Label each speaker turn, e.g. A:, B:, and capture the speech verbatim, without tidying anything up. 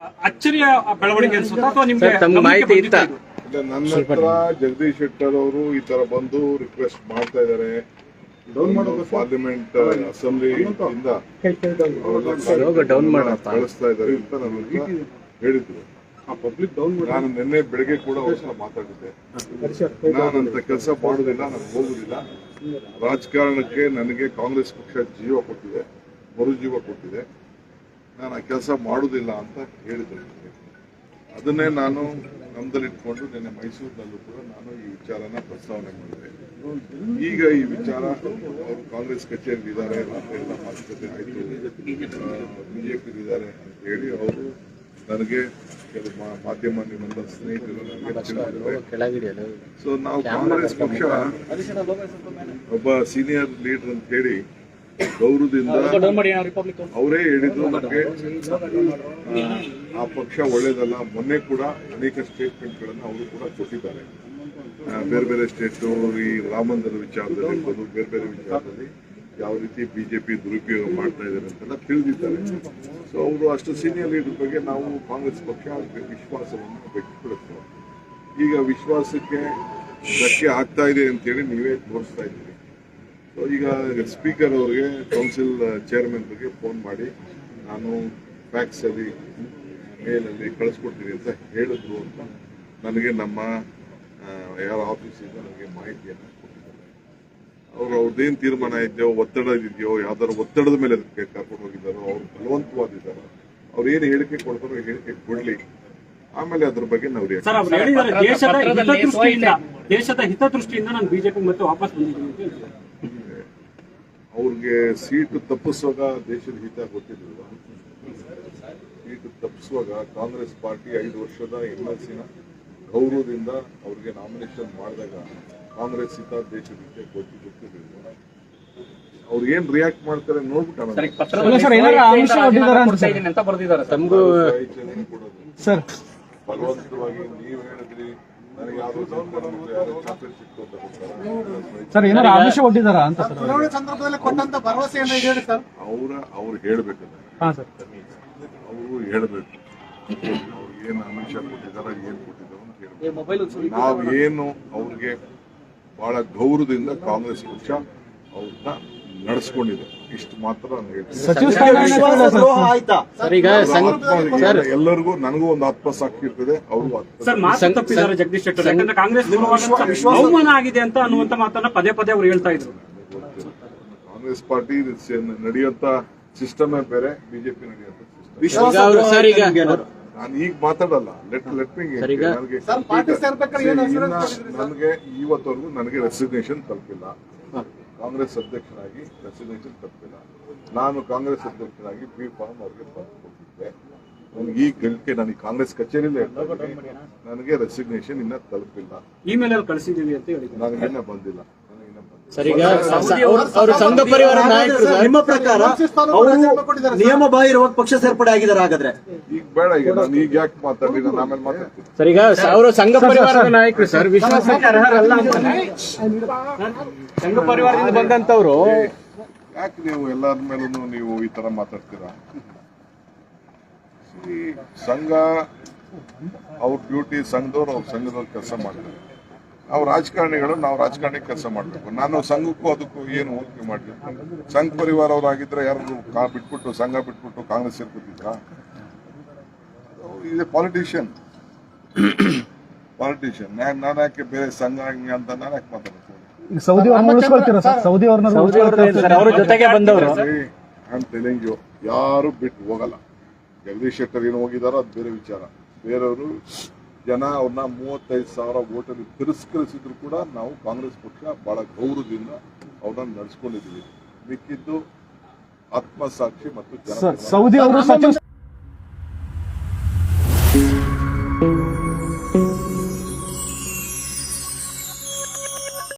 A: ಅಚ್ಚರಿಯ ಬೆಳವಣಿಗೆ ಅನ್ಸುತ್ತಾ ಅಥವಾ ನಿಮ್ಗೆ
B: ತಮ್ಮ ಮಾಹಿತಿ ಇತ್ತ?
C: ನನ್ನ ಹತ್ರ ಜಗದೀಶ್ ಶೆಟ್ಟರ್ ಅವರು ಈ ತರ ಬಂದು ರಿಕ್ವೆಸ್ಟ್ ಮಾಡ್ತಾ ಇದ್ದಾರೆ. ಪಾರ್ಲಿಮೆಂಟ್ ಅಸೆಂಬ್ಲಿ ಇಂದ ಕಳಿಸ್ತಾ ಇದ್ದಾರೆ ಅಂತ ನನಗೆ ಹೇಳಿದ್ರು. ನಾನು ನಿನ್ನೆ ಬೆಳಗ್ಗೆ ಕೂಡ ಅವ್ರ ಮಾತಾಡಿದ್ದೆ. ನಾನಂತ ಕೆಲಸ ಮಾಡುದಿಲ್ಲ, ನಾನು ಹೋಗುದಿಲ್ಲ. ರಾಜಕಾರಣಕ್ಕೆ ನನಗೆ ಕಾಂಗ್ರೆಸ್ ಪಕ್ಷ ಜೀವ ಕೊಟ್ಟಿದೆ, ಮರುಜೀವ ಕೊಟ್ಟಿದೆ. ನಾನು ಆ ಕೆಲಸ ಮಾಡುದಿಲ್ಲ ಅಂತ ಹೇಳಿದ್ದೆ. ಅದನ್ನೇ ನಾನು ನಮ್ದಲ್ಲಿಟ್ಕೊಂಡು ನಿನ್ನೆ ಮೈಸೂರಿನಲ್ಲೂ ಕೂಡ ನಾನು ಈ ವಿಚಾರನ ಪ್ರಸ್ತಾವನೆ ಮಾಡಿದೆ. ಈಗ ಈ ವಿಚಾರ ಅವರು ಕಾಂಗ್ರೆಸ್ ಕಚೇರಿ ಇದ್ದಾರೆ ಎಲ್ಲ ಮಾತುಕತೆ ಆಯಿತು, ಬಿಜೆಪಿ ಇದ್ದಾರೆ ಅಂತ ಹೇಳಿ ಅವರು ನನಗೆ ಕೆಲವು ಮಾಧ್ಯಮ ನಿಮ್ಮೆಲ್ಲ ಸ್ನೇಹಿತರು ನನಗೆ ತಿಳಿದಿದ್ದಾರೆ. ಸೊ ನಾವು ಕಾಂಗ್ರೆಸ್ ಪಕ್ಷ ಒಬ್ಬ ಸೀನಿಯರ್ ಲೀಡರ್ ಅಂತ ಹೇಳಿ ಗೌರವದಿಂದ ಅವರೇ ಹೇಳಿದ್ರು ನನಗೆ ಆ ಪಕ್ಷ ಒಳ್ಳೇದಲ್ಲ. ಮೊನ್ನೆ ಕೂಡ ಅನೇಕ ಸ್ಟೇಟ್ಮೆಂಟ್ಗಳನ್ನು ಅವರು ಕೂಡ ಕೊಟ್ಟಿದ್ದಾರೆ. ಬೇರೆ ಬೇರೆ ಸ್ಟೇಟ್ ಈ ರಾಮ ಮಂದಿರ ವಿಚಾರದಲ್ಲಿ ಬೇರೆ ಬೇರೆ ವಿಚಾರದಲ್ಲಿ ಯಾವ ರೀತಿ ಬಿಜೆಪಿ ದುರುಪಯೋಗ ಮಾಡ್ತಾ ಇದ್ದಾರೆ ಅಂತೆಲ್ಲ ತಿಳಿದಿದ್ದಾರೆ. ಸೊ ಅವರು ಅಷ್ಟು ಸೀನಿಯರ್ ಲೀಡರ್ ಬಗ್ಗೆ ನಾವು ಕಾಂಗ್ರೆಸ್ ಪಕ್ಷ ವಿಶ್ವಾಸವನ್ನು ವ್ಯಕ್ತಪಡಿಸ್ತೇವೆ. ಈಗ ವಿಶ್ವಾಸಕ್ಕೆ ಧಕ್ಕೆ ಆಗ್ತಾ ಇದೆ ಅಂತೇಳಿ ನೀವೇ ತೋರಿಸ್ತಾ ಇದ್ದೀರಿ. ಸೊ ಈಗ ಸ್ಪೀಕರ್ ಅವರಿಗೆ ಕೌನ್ಸಿಲ್ ಚೇರ್ಮನ್ ಬಗ್ಗೆ ಫೋನ್ ಮಾಡಿ ನಾನು ಫ್ಯಾಕ್ಸ್ ಅಲ್ಲಿ ಮೇಲಲ್ಲಿ ಕಳಿಸ್ಕೊಡ್ತೀನಿ ಅಂತ ಹೇಳಿದ್ರು ಅಂತ ನನಗೆ ನಮ್ಮ ಯಾರ ಆಫೀಸಿಂದ ನನಗೆ ಮಾಹಿತಿಯನ್ನು ಕೊಟ್ಟಿದ್ದಾರೆ. ಅವರು ಅವ್ರದ್ದೇನು ತೀರ್ಮಾನ ಇದೆಯೋ, ಒತ್ತಡ ಇದೆಯೋ, ಯಾವ್ದಾದ್ರು ಒತ್ತಡದ ಮೇಲೆ ಅದಕ್ಕೆ ಕರ್ಕೊಂಡು ಹೋಗಿದ್ದಾರೋ, ಅವ್ರು ಬಲವಂತವಾದಿದ್ದಾರೋ, ಅವ್ರು ಏನು ಹೇಳಿಕೆ ಕೊಡ್ತಾರೋ ಹೇಳಿಕೆ ಕೊಡ್ಲಿ, ಆಮೇಲೆ ಅದ್ರ ಬಗ್ಗೆ ನಾವು
A: ದೇಶದ ಹಿತದೃಷ್ಟಿಯಿಂದ ನಾನು ಬಿಜೆಪಿ ಮತ್ತೆ ವಾಪಸ್ ಬಂದಿದ್ದೀನಿ.
C: ಅವ್ರಿಗೆ ಸೀಟು ತಪ್ಪಿಸುವಾಗ ದೇಶದ ಹಿತ ಗೊತ್ತಿರಲಿಲ್ಲ. ಸೀಟು ತಪ್ಪಿಸುವಾಗ ಕಾಂಗ್ರೆಸ್ ಪಾರ್ಟಿ ಐದು ವರ್ಷದ ಎಂ ಎಲ್ ಸಿನ ಗೌರವದಿಂದ ಅವ್ರಿಗೆ ನಾಮಿನೇಷನ್ ಮಾಡಿದಾಗ ಕಾಂಗ್ರೆಸ್ ಹಿತ ದೇಶದ ಹಿತ ಗೊತ್ತಿ ಗೊತ್ತಿರಲಿಲ್ಲ. ಅವ್ರು ಏನ್ ರಿಯಾಕ್ಟ್ ಮಾಡ್ತಾರೆ ನೋಡ್ಬಿಟ್ಟು ಬಲವಂತವಾಗಿ ನೀವು ಹೇಳಿದ್ರಿ ನನಗೆ ಯಾವ್ದು ಚಾಕ್ಲೇಟ್ ಸಿಕ್ತು ಅಂತ
D: ಸರ್, ಏನಾದ್ರು ಆಮಿಷ ಒಡ್ಡಿದಾರ ಅಂತ
E: ಸಂದರ್ಭದಲ್ಲಿ ಕೊಟ್ಟಂತ ಭರವಸೆಯನ್ನು ಹೇಳಿ ಸರ್.
C: ಅವರ ಅವ್ರು ಹೇಳ್ಬೇಕಲ್ಲ, ಅವರು ಹೇಳ್ಬೇಕು ಅವ್ರಿಗೆ ಏನ್ ಆಮಿಷ ಕೊಟ್ಟಿದಾರ, ಏನ್ ಕೊಟ್ಟಿದಾರ ಅಂತ ಹೇಳ್ಬೇಕು. ನಾವೇನು ಅವ್ರಿಗೆ ಬಹಳ ಗೌರವದಿಂದ ಕಾಂಗ್ರೆಸ್ ಪಕ್ಷ ಅವ್ರನ್ನ ನಡೆಸ್ಕೊಂಡಿದೆ, ಇಷ್ಟು ಮಾತ್ರ ನಾನು ಹೇಳ್ತೀನಿ. ಎಲ್ಲರಿಗೂ ನನಗೂ ಒಂದು ಆತ್ಮಸಾಕ್ಷಿ ಇರ್ತದೆ, ಅವರು
A: ಜಗದೀಶ್ ಶೆಟ್ಟರ್ ಯಾಕಂದ್ರೆ ಕಾಂಗ್ರೆಸ್ ಅವಮಾನ ಆಗಿದೆ ಅಂತ ಅನ್ನುವಂತ ಮಾತನ್ನ ಪದೇ ಪದೇ ಅವ್ರು ಹೇಳ್ತಾ ಇದ್ರು.
C: ಕಾಂಗ್ರೆಸ್ ಪಾರ್ಟಿ ನಡೆಯುವಂತ ಸಿಸ್ಟಮೇ ಬೇರೆ, ಬಿಜೆಪಿ ನಡೆಯುವಂತ ನಾನು ಈಗ ಮಾತಾಡಲ್ಲ. ಲೆಟ್ ಲೆಟ್ ಮಿ ನನಗೆ ಇವತ್ತವರೆಗೂ ನನಗೆ ರೆಸಿಗ್ನೇಷನ್ ತಲುಪಿಲ್ಲ. ಕಾಂಗ್ರೆಸ್ ಅಧ್ಯಕ್ಷರಾಗಿ ರೆಸಿಗ್ನೇಷನ್ ತಲುಪಿಲ್ಲ. ನಾನು ಕಾಂಗ್ರೆಸ್ ಅಧ್ಯಕ್ಷರಾಗಿ ಬಿ ಫಾರ್ಮ್ ಅವ್ರಿಗೆ ಬಂದು ಕೊಟ್ಟಿದ್ದೆ. ನನಗೆ ಈ ಗಳಿಕೆ ನನಗೆ ಕಾಂಗ್ರೆಸ್ ಕಚೇರಿಲೇ ನನಗೆ ರೆಸಿಗ್ನೇಷನ್ ಇನ್ನ ತಲುಪಿಲ್ಲ.
A: ಇಮೇಲ್ ಅಲ್ಲಿ ಕಳಿಸಿದೀವಿ ಅಂತ ಹೇಳಿ
C: ನನಗೆ ಇನ್ನ ಬಂದಿಲ್ಲ.
B: ಸಂಘ ಪರಿವಾರ ನಾಯಕರು ನಿಮ್ಮ ಪ್ರಕಾರ
E: ನಿಯಮ ಬಾಹಿರವಾಗಿ ಪಕ್ಷ ಸೇರ್ಪಡೆ ಆಗಿದ್ದಾರೆ. ಹಾಗಾದ್ರೆ
C: ಈಗ ಬೇಡ, ಈಗ ನಾನು ಈಗ ಯಾಕೆ ಮಾತಾಡಿ, ನಾನು ಆಮೇಲೆ ಮಾತಾಡ್ತೀನಿ.
B: ಸರ್, ಈಗ ಅವರು ಸಂಘ ಪರಿವಾರದ ನಾಯಕರು ಸರ್, ವಿಶ್ವಾಸಕ್ಕೆ ಅರ್ಹರಲ್ಲ. ಸಂಘ ಪರಿವಾರದಿಂದ ಬಂದಂತವ್ರು
C: ಯಾಕೆ ನೀವು ಎಲ್ಲರ ಮೇಲೂ ನೀವು ಈ ತರ ಮಾತಾಡ್ತೀರಾ? ಸಂಘ ಅವ್ರ ಡ್ಯೂಟಿ, ಸಂಘದವ್ರು ಅವ್ರ ಸಂಘದವ್ರು ಕೆಲಸ ಮಾಡ್ತಾರೆ. ನಾವು ರಾಜಕಾರಣಿಗಳು ನಾವು ರಾಜಕಾರಣಿ ಕೆಲಸ ಮಾಡಬೇಕು. ನಾನು ಸಂಘಕ್ಕೂ ಅದಕ್ಕೂ ಏನು ಹೋಲಿಕೆ ಮಾಡಲಿ? ಸಂಘ ಪರಿವಾರ ಅವರಾಗಿದ್ರೆ ಯಾರು ಕಾ ಬಿಟ್ಬಿಟ್ಟು ಸಂಘ ಬಿಟ್ಬಿಟ್ಟು ಕಾಂಗ್ರೆಸ್ ಸೇರ್ಕೊತಿದ್ರ? ಇದೆ ಪಾಲಿಟಿಷಿಯನ್ ಪಾಲಿಟಿಷಿಯನ್ ನಾನು ಯಾಕೆ ಬೇರೆ ಸಂಘ ಅಂತ ನಾನು ಯಾಕೆ ಮಾತಾಡ್ತೀನಿ?
D: ಸೌದಿ ಸೌದಿ ಅವ್ರ ಜೊತೆಗೆ ಬಂದವರು
C: ಯಾರು ಬಿಟ್ಟು ಹೋಗಲ್ಲ. ಜಗದೀಶ್ ಶೆಟ್ಟರ್ ಏನು ಹೋಗಿದಾರೋ ಅದು ಬೇರೆ ವಿಚಾರ. ಬೇರೆಯವರು ಜನ ಅವ್ರನ್ನ ಮೂವತ್ತೈದು ಸಾವಿರ ಓಟಲ್ಲಿ ತಿರಸ್ಕರಿಸಿದ್ರು ಕೂಡ ನಾವು ಕಾಂಗ್ರೆಸ್ ಪಕ್ಷ ಬಹಳ ಗೌರವದಿಂದ ಅವ್ರನ್ನ ನಡೆಸ್ಕೊಂಡಿದ್ದೀವಿ. ಮಿಕ್ಕಿದ್ದು ಆತ್ಮಸಾಕ್ಷಿ ಮತ್ತು ಜನ.
D: ಸೌದಿ ಅವರು